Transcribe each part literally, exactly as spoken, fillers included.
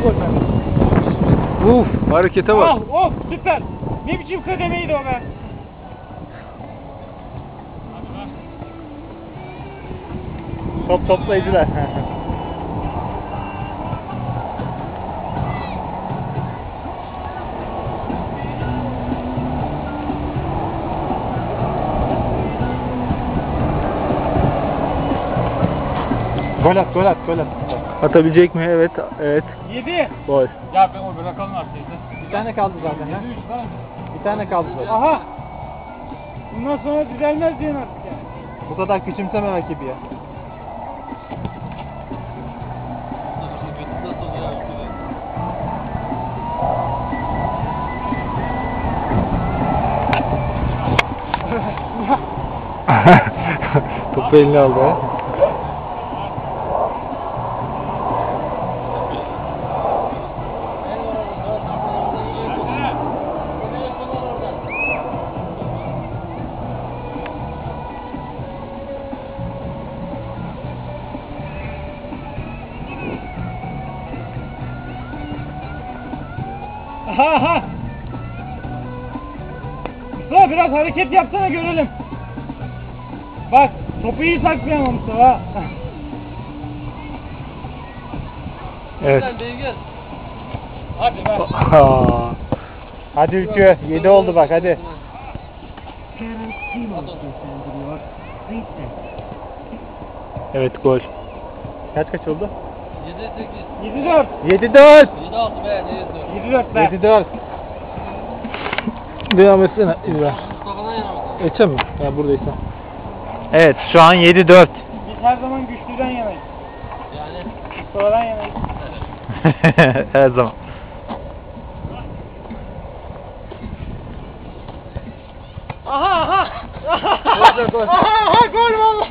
gol bende. Uf, harekete bak. Ah, oh, süper. Ne biçim kademeydi o be. Top toplayıcılar. Gol at, gol at, gol at. Atabilecek mi? Evet, evet. Yedi. Gol. Ya ben o bırakalım artık. Bir tane kaldı zaten ha. Bir tane kaldı zaten. Aha. Bundan sonra düzelmez diyen artık yani. Bu kadar küçümseme rakibi ya. Topu eline aldı ha. Aha. Mustafa biraz hareket yapsana görelim. Bak topu iyi saklayamam Mustafa. Evet. Hadi be. Hadi Ülkü. yedi oldu bak hadi. Evet gol. Kaç kaç oldu? yedi sekiz. yedi dört. yedi dört. yedi altı be, ne yedi dört? yedi dört be. yedi dört. Devam etsene İbrahim. Mustafa'dan yana mısın? Geçen mi? Ya buradaysa. Evet şu an yedi dört. Biz her zaman güçlüden yanayız. Yani. Mustafa'dan yanayız. Her zaman. Aha aha. Gol gol. Aha aha gol valla.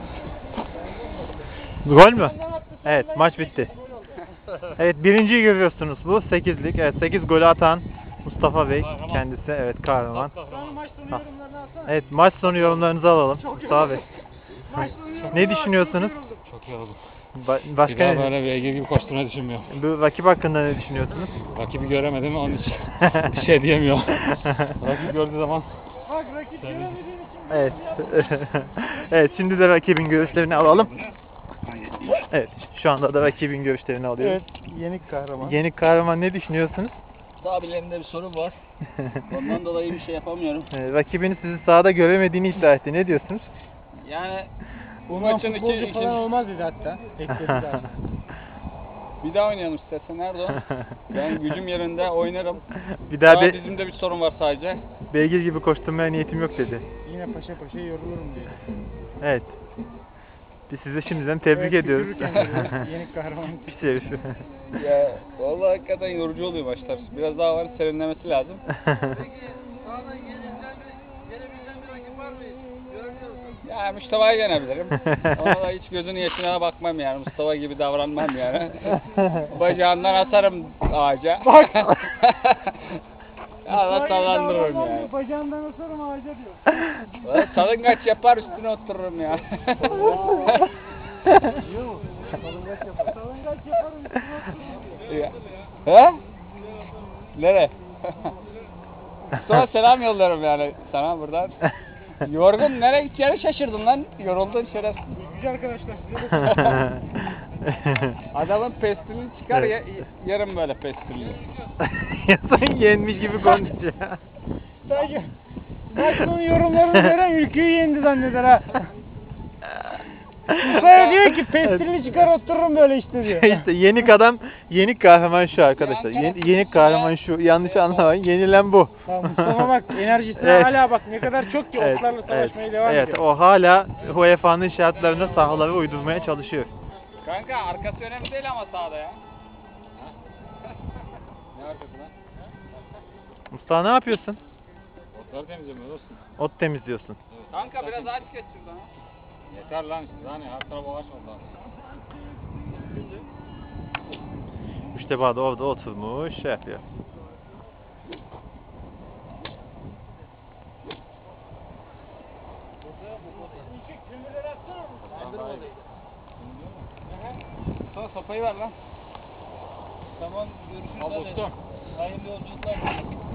Gol mü? Evet maç bitti. Evet birinciyi görüyorsunuz bu sekizlik. Evet sekiz golü atan Mustafa Bey kendisi evet kahraman. Maç sonu yorumlarını atsana. Evet maç sonu yorumlarınızı alalım Mustafa Bey. Maç sonu yorumlarını Ne düşünüyorsunuz? Çok iyi oldu. Ba Bir başka daha ne? böyle beygir gibi koşturmayı düşünmüyorum. Bu rakip hakkında ne düşünüyorsunuz? Rakibi göremedim onun için bir şey diyemiyorum. Rakip gördüğü zaman Bak rakip göremediğin için. Evet. Evet şimdi de rakibin görüşlerini alalım. Evet şu anda da rakibin görüşlerini alıyoruz. Evet, yenik kahraman. Yenik kahraman ne düşünüyorsunuz? Abilerimde bir sorun var. Ondan dolayı bir şey yapamıyorum. Ee, rakibini sizi sahada göremediğini iddia etti. Ne diyorsunuz? Yani bu Bundan maçın iki, futbolcu iki, falan olmaz dedi hatta. Ekledi zaten. bir daha oynayalım istersen Erdoğan. Ben gücüm yerinde oynarım. Bir daha Daha be dizimde bir sorun var sadece. beygir gibi koşturmaya niyetim yok dedi. Yine paşa paşa yorulurum diyor. Evet. Biz sizi şimdiden tebrik Evet, ediyoruz. tükürürken görüyoruz. Yenik kahraman. Pis herif. Ya vallahi hakikaten yorucu oluyor maçlar. Biraz daha var serinlemesi lazım. Sağdan gelebilen bir, gelebilen bir rakip var mı? Görebiliyor musun? Ya Mustafa'yı yenebilirim. Ona da hiç gözünün yaşına bakmam yani. Mustafa gibi davranmam yani. Bacağından atarım ağaca. Bak. Ya da sallandırırım yani. Bacağından asarım ağaca diyor. Valla salıngaç yapar üstüne otururum ya. Salıngaç yapar. Salıngaç yaparım üstüne otururum. Ya. He? Nere? Sonra selam yollarım yani sana buradan. Yorgun nereye gideceğini şaşırdın lan. Yoruldun şerefsiz. Güzel arkadaşlar size de Adamın pestilini çıkar ya, yarım böyle pestilini. Sen yenmiş gibi konuşuyor. Sadece maç sonu yorumlarını veren ülkeyi yendi zanneder ha. Sonra diyor ki pestilini çıkar otururum böyle işte diyor. İşte yenik adam, yenik kahraman şu arkadaşlar. Yeni, yenik kahraman şu. Yanlış anlamayın. Yenilen bu. Tamam, Mustafa bak enerjisine Evet. hala bak ne kadar çok ki Evet, oklarla savaşmaya evet, devam evet, ediyor. o hala U E F A'nın şartlarına sahaları uydurmaya çalışıyor. Kanka arkası önemli değil ama sağda ya. Ne arkası lan? Mustafa ne yapıyorsun? otları temizlemiyor dostum. Ot temizliyorsun. Kanka biraz ağaç geç şuradan. Yeter lan işte lan ya her taraf ağaç oldu. İşte bak orada oturmuş şey yapıyor. Sonra sopayı ver lan. Tamam görüşürüz. Al hadi. dostum. Hayırlı yolculuklar.